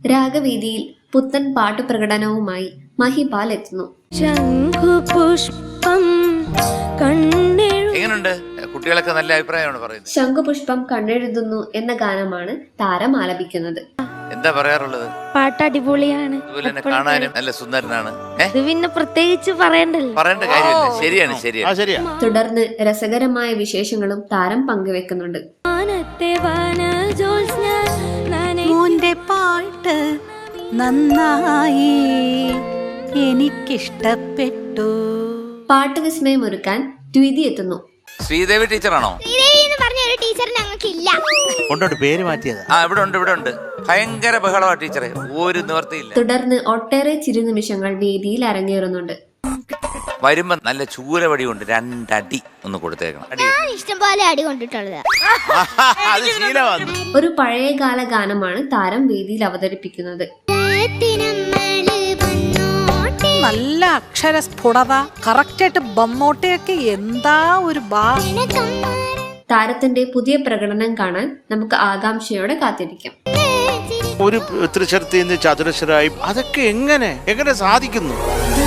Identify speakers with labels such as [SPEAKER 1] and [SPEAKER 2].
[SPEAKER 1] രാഗവേദിയിൽ പുത്തൻ പാട്ടുപ്രകടനവുമായി മഹിപാൽ എത്തുന്നു.
[SPEAKER 2] എങ്ങനെയുണ്ട്? കുട്ടികളൊക്കെ നല്ല അഭിപ്രായമാണ് പറയുന്നത്.
[SPEAKER 1] ശംഖുപുഷ്പം കണ്ണെഴുതുന്നു എന്ന ഗാനമാണ് താരം ആലപിക്കുന്നത്.
[SPEAKER 2] എന്താ പറയാറുള്ളത്?
[SPEAKER 3] പാട്ട് അടിപൊളിയാണ്,
[SPEAKER 2] അതുപോലെ തന്നെ കാണാനും നല്ല സുന്ദരനാണ്.
[SPEAKER 3] ഇത് പിന്നെ പ്രത്യേകിച്ച് പറയേണ്ട
[SPEAKER 2] കാര്യമില്ല. ശരിയാണ് ശരിയാണ്.
[SPEAKER 1] തുടർന്ന് രസകരമായ വിശേഷങ്ങളും താരം പങ്കുവെക്കുന്നുണ്ട്.
[SPEAKER 4] മോന്റെ പാട്ട് നന്നായി, എനിക്കിഷ്ടപ്പെട്ടു.
[SPEAKER 1] പാട്ട് വിസ്മയമൊരുക്കാൻ ദ്വിതി എത്തുന്നു.
[SPEAKER 2] ശ്രീദേവി ടീച്ചറാണോ?
[SPEAKER 5] കൊണ്ടോട്ട് പേര് മാറ്റിയത്.
[SPEAKER 2] ഇവിടെ ഉണ്ട്. ഭയങ്കര ബഹളമാ ടീച്ചറെ, ഒരു നിവർത്തിയില്ല.
[SPEAKER 1] തുടർന്ന് ഒട്ടേറെ ചിരുനിമിഷങ്ങൾ വേദിയിൽ അരങ്ങേറുന്നുണ്ട്.
[SPEAKER 2] വരുമ്പോ നല്ല ചൂരവടി കൊണ്ട് 2 അടി ഒന്ന് കൊടുത്തേക്കണം.
[SPEAKER 3] ഇഷ്ടംപോലെ അടി കൊണ്ടിട്ടുള്ളത്.
[SPEAKER 1] ഒരു പഴയകാല ഗാനമാണ് താരം വേദിയിൽ അവതരിപ്പിക്കുന്നത്.
[SPEAKER 4] നല്ല അക്ഷരസ്ഫുടത, കറക്റ്റായിട്ട് ബന്നോട്ടയൊക്കെ എന്താ ഒരു
[SPEAKER 1] താരത്തിന്റെ പുതിയ പ്രകടനം കാണാൻ നമുക്ക് ആകാംക്ഷയോടെ കാത്തിരിക്കാം.
[SPEAKER 5] ഒരു ത്രിശരത്തിൽ നിന്ന് ചതുരശ്രായി അതൊക്കെ എങ്ങനെ സാധിക്കുന്നു?